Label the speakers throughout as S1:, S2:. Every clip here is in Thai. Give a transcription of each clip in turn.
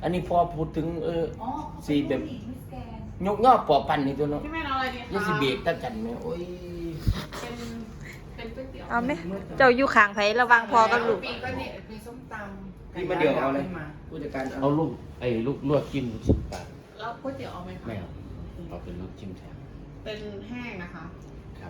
S1: อันนี้พอพูดถึงสีแบบ
S2: แกน
S1: ยกย่อปอปันนี่ตัวเนาะ
S3: พี่แม่เอาอะไรดีคะ
S1: ยี่สิบเบรกตั้งกันไหมโอ้ย
S3: เป็นก๋วยเตี๋ยว
S4: เอาไหมเจ้าอยู่ข้างไผระวังพอกับลูก
S3: ปีก็เนี่ยมีส้มตำ
S1: พี่มาเดี๋ยวเอาเลยผู้จัดการ
S5: เอาลูกลูกลวกจิ้ม10 บาท
S3: แล้วก๋วยเตี๋ยวเอาไหมคะ
S5: ไม่เอาเอาเป็นลูกจิ้มแทน
S3: เป็นแห้งนะคะ
S5: ครับ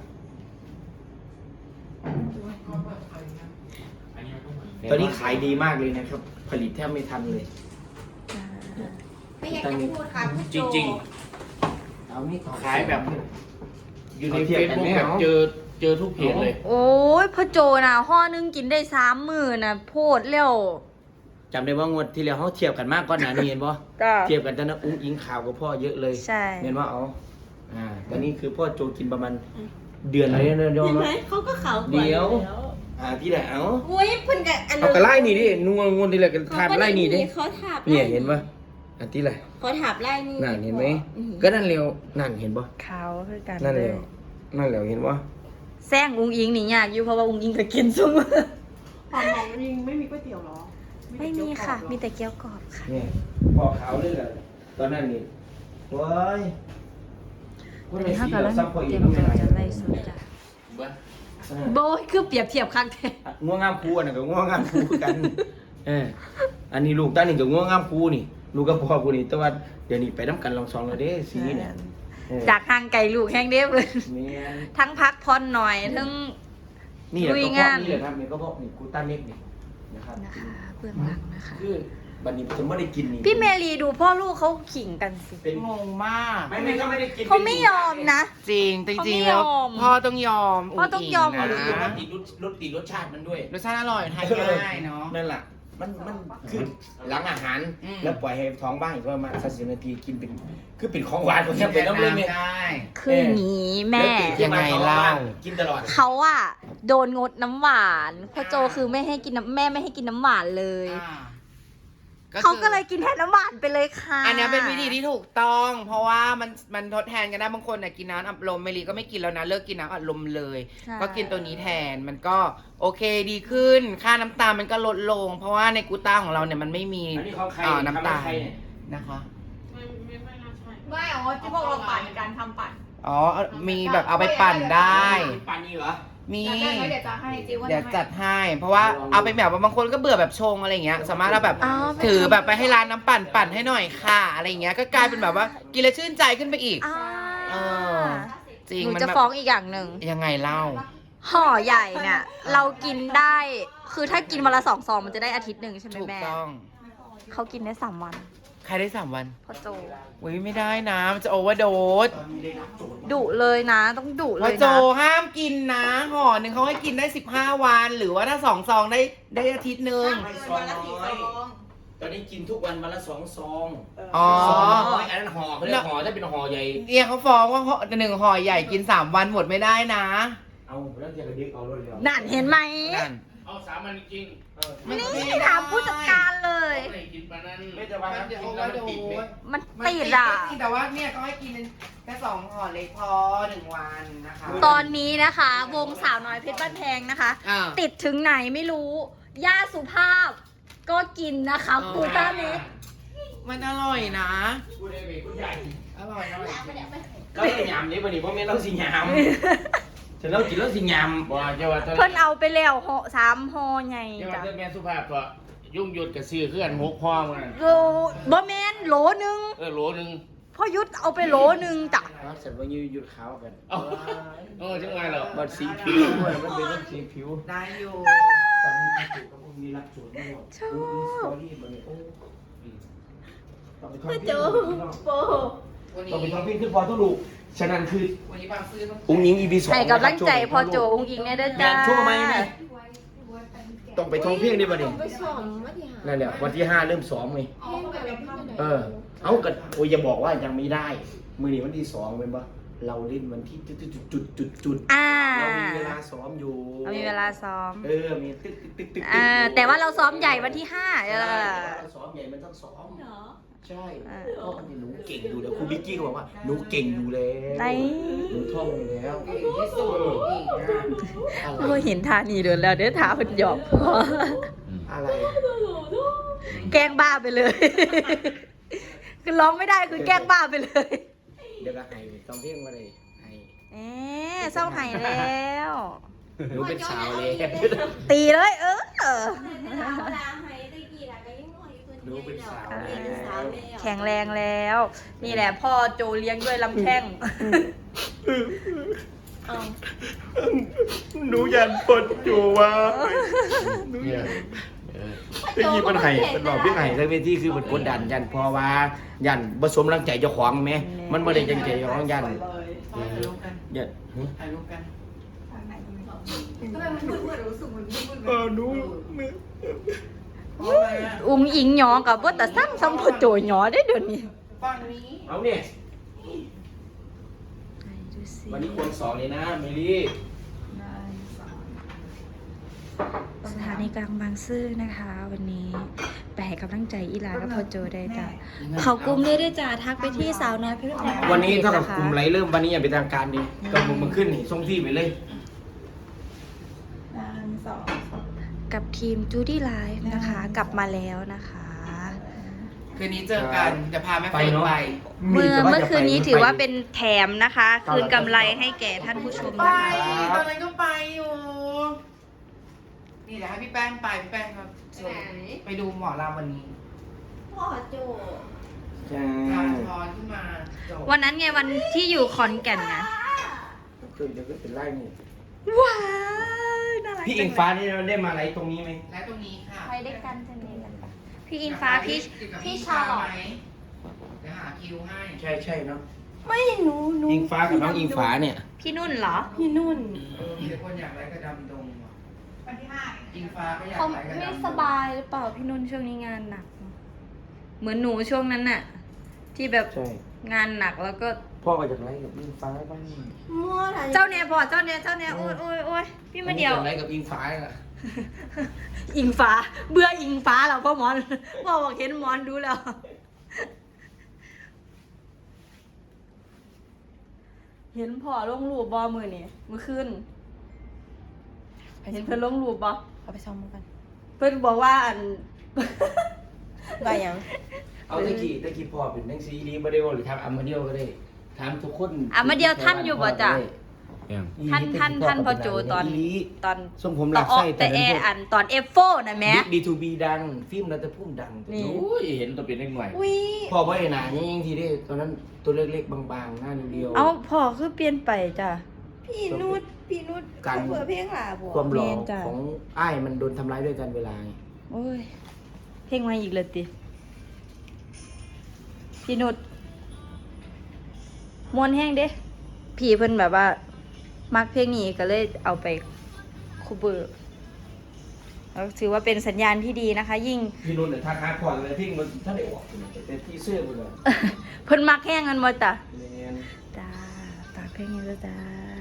S1: ตอนนี้ขายดีมากเลยนะครับ ผลิตแทบไม่ทันเลย
S2: ไม่อยากจะพูดค่ะพูด
S5: จริง
S1: เอานี่
S5: ๆขายแบบ อยู่ในเฟซบุ๊กแบบเจอทุกเพจเลย
S4: โอ้ยพ่อโจน่ะห่อนึงกินได้30,000น่ะโพดแล้ว
S1: จำได้ว่างวดที่แล้วเขาเทียบกันมากก่อนหน้านี้เห็นปะ
S4: ก็
S1: เทียบกันตอนนั้นอุ้งอิงข่าวกับพ่อเยอะเลย
S4: ใช่
S1: เห็นว่าเอาตอนนี้คือพ่อโจกินประมาณเดือนอะไรเนี่ยยอม
S2: เห็น
S1: ไห
S2: ไห
S1: ม
S2: มเขาก็เขากว่า
S1: เดี๋ยว
S2: แล้ว
S1: ที่ไหนเอา
S2: อุ้ยเพิ่นกับอัน
S1: เอากระไล่นี่ดินัวงวนที่ไหนกันทานไล่นี่ดิ
S2: เขาถาบ
S1: เนี่ยเห็นปะอันที่ไหน
S2: เขาถาบไล่นี่
S1: นั่นเห็นไหมก็นั่นเร็วนั่นเห็นปะ
S4: ขาวคือกัน
S1: นั่น
S4: เล
S1: เร็
S4: ยว
S1: นั่นเร็วเห็นปะ
S4: แซงอุ้งอิงนี่ยากอยู่เพราะว่าอุ้งอิงก็กินซุมื้อ
S3: หอมของยิงไม่มีก๋วยเตี๋ยวหรอ
S4: ไม่มีค่ะ มีแต่เกี๊ยวกรอบค่ะ
S1: เนี่ยพอขาวเลยแหละตอนนั้นนี่ว้าย
S4: ตอนนี้เขากำลังเตรียมตัวจะไล่สดจ้ะโบยคือเปรียบเทียบข้างแท้
S1: ง่วงงามครูอันนั้นก็ง่วงงามครูกันอันนี้ลูกตาหนึ่งกับง่วงงามครูนี่ลูกกับพ่อกูนี่แต่ว่าเดี๋ยวนี้ไปน้ำกันลองซองเลยเด้สีเนี่ย
S4: จากทางไก่ลูกแห้งเด้เพิ่น
S1: เนี่ย
S4: ทั้งพักผ่อนหน่อยทั้ง
S1: นี่แหละ
S4: ลุย
S1: ก็เพ
S4: งา
S1: ราะ
S4: น
S1: นี่แหละครับนี่ก็เพราะนี่กูต้าเน็กนี่นะครับ
S4: นะคะเบื้องหลังนะคะ
S1: คือบัดนี้ผมไม่ได้กินนี่
S4: พี่เมลีดูพ่อลูกเขาขิงกันสิ
S1: เป็น
S3: งงมาก
S1: ไม่ก็ไม่ได้กิน
S4: เขาไม่ยอมนะ
S3: จริง
S4: เขาไม่
S3: จริงๆแล้ว
S4: ยอม
S3: พ่อต้องยอม
S4: พ่อต้องยอม
S1: เอา
S3: นะ
S1: ลูกมาติดรสชาติมันด้วย
S3: รสชาติอร่อยทานง่ายเนาะ
S1: นั่นแหละมันคือหลังอาหาร
S3: อืม
S1: แล้วปล่อยให้ท้องบ้างอีกประมาณ30 นาทีกินเป็นคือเป็นของหวานของแค่เป็นน้ำเลยเนี่ย
S3: ได้
S4: คืออย่างนี้แม่
S1: ล้วตื่นขึ้นม
S3: ยังไงเล่า
S1: กินตลอด
S4: เขาอะโดนงดน้ำหวานพ่อโจคือไม่ให้กินน้ำแม่ไม่ให้กินน้ำหวานเลย
S3: อ่า
S4: เขาก็เลยกินแทนน้ำหวานไปเลยค่ะ
S3: อันเนี้ยเป็นวิธีที่ถูกต้อง เพราะว่ามันทดแทนกันได้บางคนน่ะกินน้ำอัดลมเมลีก็ไม่กินแล้วนะเลิกกินน้ำอัดลมเลย
S4: ใช่
S3: ก็กินตัวนี้แทนมันก็โอเคดีขึ้น ค่าน้ำตาลมันก็ลดลง เพราะว่าในกูต้าของเราเนี่ยมันไม่มี
S1: อันนี้ของใคร
S3: น้ำตาล
S1: ใครเนี่ย
S3: นะคะ
S2: ไม่อ๋อที่พวกเราปั่นการทำปั่น
S3: อ๋อมีแบบเอาไปปั่นได้
S1: ปานนี้เหรอ
S3: มี
S2: ได้ไหมเดี๋ยวจะให้จิว่า
S3: เดี๋ยวจัดให้ เพราะว่าเอาไปแบบว่าบางคนก็เบื่อแบบชงอะไรอย่างเงี้ย สามารถเอาแบบ
S4: อ๋อ
S3: ถือแบบไปให้ร้านน้ำปั่นให้หน่อยค่ะอะไรอย่างเงี้ยก็กลายเป็นแบบว่ากินแล้วชื่นใจขึ้นไปอีก
S4: อ่า
S3: เออ จริง
S4: หนู
S3: มัน
S4: จะ
S3: แบบ
S4: ฟ้องอีกอย่างหนึ่ง
S3: ยังไงเล่า
S4: ห่อใหญ่เนี่ยเรากินได้ คือถ้ากินวันละ2 ซองมันจะได้อาทิตย์หนึ่งใช่ไหม
S3: ถูก
S4: แม่
S3: ต้อง
S4: เขากินได้3 วัน
S3: ใครได้3 วัน
S4: พ่อโจ
S3: อุ้ยไม่ได้นะ มันจะโอเวอร์โดส
S4: ดุเลยนะ ต้องดุเล
S3: ว่าย โจ
S4: นะ
S3: ห้ามกินนะห่อหนึ่งเขาให้กินได้15 วัน หรือว่าถ้า2 ซองได้อาทิตย์หนึ่ง
S1: ไม่ซองน้อยตอนนี้กินทุกวันวันละ2 ซอง
S3: อ๋อ
S1: ซองน้อยอันนั้นห่อเขาเรียกห่อถ้าเป็นห่อใหญ่
S3: เนี่ยเขาฟ้องว่าหนึ่งห่อใหญ่กิน3 วันหมดไม่ได้นะ
S1: เอาแล้วจะกระดิกเอารถเดียว
S4: นั่นเห็นไหม
S3: นั่น
S5: เอา3 วันจริง
S4: นี่ถามผู้จัดการเลย
S5: ไม่ได้กินปานนั้น
S1: ไม่จะว่า
S3: มันจะ
S1: กิ
S3: โอน เว
S1: แล้
S3: อ
S1: ว
S3: ร์
S1: มัน
S3: โด
S1: ติดไหม
S3: ส
S4: มัน
S3: มัน
S4: ติดอ่ะ
S3: แต่ว่าเนี่ยเขาให้กินแค่2 ห่อเล็กพอ1 วันนะคะ
S4: ตอนนี้นะคะ วงสาวน้อยเพชรบ้านแพงนะคะ
S3: อ่า
S4: ติดถึงไหนไม่รู้ ย่าสุภาพ ก็กินนะคะกูต้าเน็ก
S3: มันอร่อยนะ
S1: พูดได้ไหมคุณใหญ่
S3: อร่อยอร่อย
S1: เราต้องยำนี่วันนี้เพราะไม่ต้องสิยำฉันต้องกินแล้วสิยำ
S5: บ่เจ้าว่า
S4: เพิ่นเอาไปแล้วห่อ3 ห่อไง
S5: เจ้าว่า
S4: จ้ะ
S5: เจ้าแม่สุภาพก็ยุ่งหยุดกับซื้อเคลื่อน6 พ่อมัน
S4: โลบ่แมนโหลหนึง
S5: โหลนึง
S4: พ่อยุทธเอาไปโหลหนึงจ้ะ
S1: เสร็จวันนี้หยุดขาวกัน
S5: จังไงเหรอ
S1: บัดสีผิวด้วยมันเป็นเรื่องสีผิว
S3: ได้อยู่
S1: ตอนนี้อาจุกับพวกมีรับสวนไม่หมดสตอรี่มันโอ้ต้องไปท่องพี่
S4: โป
S3: วันนี้
S1: ต้องไปท่องพี่ขึ้นพอทุกลูกฉะนั้นคือ
S3: วันนี้บางซื้อต้อง
S1: อุ้งยิงอีพี2
S4: ให้กำลังใจพ่อโจอุ้งอิงได้เด้อจ้า
S1: ช่วงไหมไหมต้องไปท่องเพียงดิบัดนี้
S2: ไปสอนมาที่หา
S1: นั่นแหละวันที่5เริ่มซ้อมไง
S2: เพ่งไปเป็นข้าว
S1: เอากันโอ้ยอย่าบอกว่ายังไม่ได้ มือนี้วันที่2เป็นปะเราเล่นวันที่จุด
S4: อ่า
S1: เรามีเวลาซ้อมอยู่
S4: เรามีเวลาซ้อม
S1: มีตึก
S4: แต่ว่าเราซ้อมใหญ่วันที่5
S1: เราซ้อมใหญ่มันต้องซ้อม
S2: เหรอ
S1: ใช่เพราะมันหนูเก่งอยู่แล้วครูบิ๊กกี้ก็บอกว่าหนูเก่งอยู่แล้ว
S4: ไหน
S1: หนูท่องอยู่แล้ว
S3: ที่สุดอีกนะ
S4: เราเห็นทานีเดินแล้วเด้อทาเพิ่นหยอกพ่อ
S1: อะไร
S4: แกล้งบ้าไปเลย คือร้องไม่ได้คือแกล้งบ้าไปเลย
S1: เดี๋ยวก็ให้ต้องเพียงมาเลยให้
S4: เศร้าไห้แล้ว
S1: หนูเป็นสาวเลย
S4: ตีเลย
S1: หนูเป็นสาวแล้ว
S4: แข็งแรงแล้ว นี่แหละพ่อโจเลี้ยงด้วยลำแข้ง
S1: หนูยันปนจูว่า
S5: เนี่ยเออ
S1: ที่นี่มันไห้มันบอกพี่ไห้ทั้งเวทีคือมันกดดันยันเพอว่ายันผสมรังใจเจ้าของไหมมันไม่ได้จังใจเจ้าของยัน
S3: ถ่ายรูปกัน
S1: ยัน
S3: ถ่ายรูปกัน
S2: ทำไมมันมืดๆรู้สึกมันมืดๆ
S1: หนู
S4: อุ้งอิงหยอกับว่าแต่ซ้ำซ้ำพ่อโจหยอได้เดี๋ยวนี้
S3: ฝั่งนี้
S1: เอาเนี่ย
S4: ดูสิ
S1: วันนี้คนสองเลยนะเมลี่
S4: สถานีกลางบางซื่อนะคะ วันนี้ไปให้กำลังใจอีหลากับพ่อโจได้จ้ะเขากลุ้มได้ด้วยจ้ะทักไปที่สาวน้อยเพชรบุรี
S1: วันนี้เท่ากับกลุ่มไรเริ่มวันนี้อย่างเป็นทางการดีก็มึงขึ้นนี่ส่งที่ไปเลย
S4: กับทีมจูดี้ไลฟ์นะคะ กลับมาแล้วนะคะ
S3: คืนนี้เจอกันจะพาแม่เฟิร์นไป
S4: เมื่อคืนนี้ถือว่าเป็นแถมนะคะ คืนกำไรให้แก่ท่านผู้ชม
S3: ไป
S4: นะคะ
S3: ตอนนั้นก็ไปอยู่ นี่เดี๋ยวให้พี่แป้งไปพี่แป้งครับไปดูหมอรามวันนี้
S2: พ่อโจ
S1: จ้า
S3: ทางทอนขึ้นมาจบ
S4: วันนั้นไงวันที่อยู่ขอนแก่นไง
S1: คือเดี๋ยวก็เป็นไร่นี่
S4: ว้าวน่ารัก
S1: พี่อิงฟ้านี่ได้มาอะไรตรงนี้ไหม
S3: และตรงนี้ค่ะ
S4: ไปด้วยกันจะเนกันปะพี่อิงฟ้าพี่ชาลอต
S3: ไหมเดี๋ยวหาคิวให้
S1: ใช่เนาะ
S2: ไม่หนู
S1: อิงฟ้ากับน้องอิงฟ้าเนี่ย
S4: พี่นุ่นเหรอ
S2: พี่นุ่น
S3: มีแต่คนอยากไลฟ์กระดำดงว่ะ
S2: วันที่ห้า
S3: อิงฟ้าก็อยาก
S4: เขา
S3: ไลฟ์กระดำดง
S4: ไม่สบายหรือเปล่าพี่นุ่นช่วงนี้งานหนัก เหมือนหนูช่วงนั้นน่ะ ที่แบบ
S1: ใช่
S4: งานหนักแล้วก็
S1: พ่อก็จากไร่กับอิงฟ้าบ้าง
S2: มั่วอะไร
S4: เจ้าเนี่ยพอเจ้าเนี่ยโอ้ยพี่มาเดียว
S1: จากไร่กับอิงฟ้าอะ
S4: อิงฟ้า เบื่ออิงฟ้าแล้วพ่อหมอนพ่อบอกเห็นหมอนดูแล้ว เห็นพ่อลงรูปบอมือนี่มือขึ้นเห็นเพิ่นลงรูปบอ
S2: เอาไปซ้อมกัน
S4: เพิ่นบอกว่าอัน
S2: ว่ายัง
S1: เอาตะกี้พ่อเป็นนังซีดีมาเดียวหรือทำอัมมาเดียวก็ได้ถามทุกคน
S4: อ่ะมาเดียวท่านอยู่บ่จ้ะ ท่านพ่อโจตอน
S1: ทรงผมหลักไส้
S4: แต่แออันตอนเอฟโฟนะแม่
S1: ดีทูบีดังฟิล์มรัตพุ่มดัง
S4: นี่
S5: โอ้ยเห็นตัวเป็นเล็กหน่อย
S2: วิ
S1: พ่อว่าไอ้หนายิ่งทีได้ตอนนั้นตัวเล็กๆบางๆหน้านิดเดียว
S4: เอาพ่อคือเปลี่ยนไปจ้ะ
S2: พี่นุชเขาเปิดเพลงหล่ะบัว
S1: ความหล่อ
S4: แม่นจ้ะ
S1: ของอ้ายมันโดนทำร้ายด้วยกันเวลาไง
S4: โอ้ยเพลงมาอีกเลยติพี่นุชมวนแห้งเด้พี่เพิ่นแบบว่า มักเพลงนี้ก็เลยเอาไปคูเบอร์แล้วถือว่าเป็นสัญญาณที่ดีนะคะ ยิ่ง
S1: พี่นุ่นเนี่ยท่าค้าพอเลยพี่มันถ้าได้ออกแต่ที่เสื้อมันเลย
S4: เพิ่นมักแห้งกันบ่จ้ะ
S1: เนียน
S4: จ้าฝากเพลงนี้ด้วยจ้า